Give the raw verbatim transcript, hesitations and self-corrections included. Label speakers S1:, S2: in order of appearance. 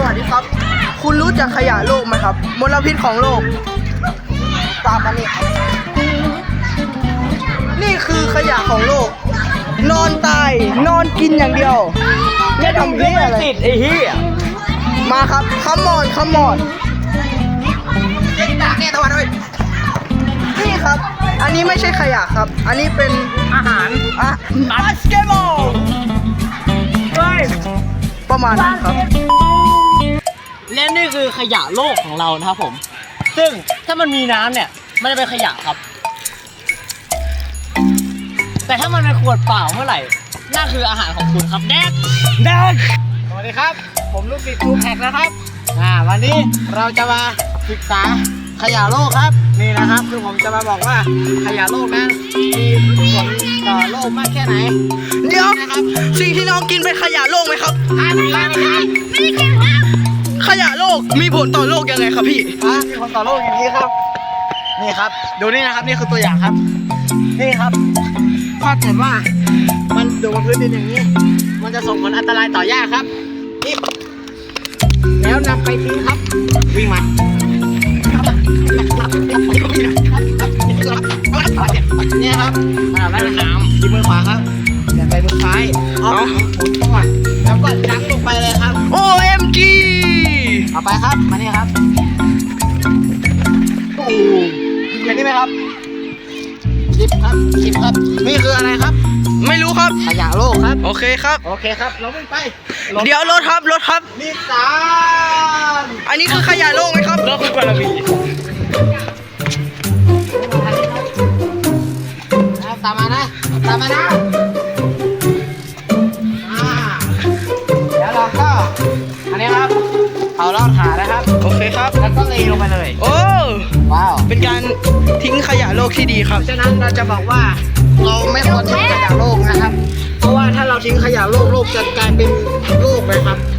S1: วัสดีครับคุณรู้จักขยะโลกไหมครับมลพิษของโลกตามมานี่นี่คือขยะของโลกนอนตายนอนกินอย่างเดียวไม่ทำเหี้ยอะไร
S2: ติดไอ้เหี้ย
S1: มาครับคัมมอนคัมมอนนี่ครับอันนี้ไม่ใช่ขยะครับอันนี้เป็น
S2: อาหาร
S1: อะบาสเกตบอล
S2: เฮ้ย
S1: ประมาณนั้นครับ
S2: และนี่คือขยะโลกของเรานะครับผมซึ่งถ้ามันมีน้ำเนี่ยมันจะเป็นขยะครับ แต่ถ้ามันเป็นขวดเปล่าเมื่อไหร่นั่นคืออาหารของคุณครับแดกแดกสวัสดีครับผมลูกศิษย์ทูแพ็กนะครับอ่าวันนี้เราจะมาศึกษาขยะโลกครับนี่นะครับคือผมจะมาบอกว่าขยะโลกนั้นมีผลต่อโลกมากแค่ไหน
S1: เดี๋ยว
S2: นะครับ
S1: สิ่งที่น้องกินเป็นขยะโลกไหมครับ
S2: อ่าไม่ใช่ไม่ใช่
S1: ขยะโลกมีผลต่อโลกยังไงครับพี่
S2: อ่ามีผลต่อโลกอย่างนี้ครับนี่ครับดูนี่นะครับนี่คือตัวอย่างครับนี่ครับถ้าเกิดว่ามันอยู่บนพื้นดินอย่างนี้ มันจะส่งผลอันตรายต่อหญ้าครับนี่แล้วนำไปทิ้งครับวิ่งมาเนี่ยครับอ่าแล้วน้ำที่มือขวาครับเดี๋ยวไปมือซ้ายเอาหมุนก่อนแล้วก็ยั้งลงไปเลยครับ
S1: โอ เอ็ม จี
S2: เอาไปครับมานี่ครับโอ้เห็นนี่ไหมครับคลิปครับคลิปครับนี่คืออะไรครับ
S1: ไม่รู้ครับ
S2: ขยะโลกครับ
S1: โอเคครับ
S2: โอเคครับเราวิ่งไป
S1: เดี๋ยวรถครับรถครับ
S2: นิสาน
S1: อันนี้คือขยะโลกไหมครับ
S2: รถคุณกระบี่ตามมานะตามมานะอ่าเดี๋ยวเราก็อันนี้ครับเอาลอดขานะครับ
S1: โอเคครับ
S2: แล้วก็เลยลงไปเลย
S1: โอ้
S2: ว้าว
S1: เป็นการทิ้งขยะโลกที่ดีครับ
S2: ฉะนั้นเราจะบอกว่าเราไม่ควรทิ้งขยะโลกนะครับ เพราะว่าถ้าเราทิ้งขยะโลกโลกจะกลายเป็นโลกเลยครับ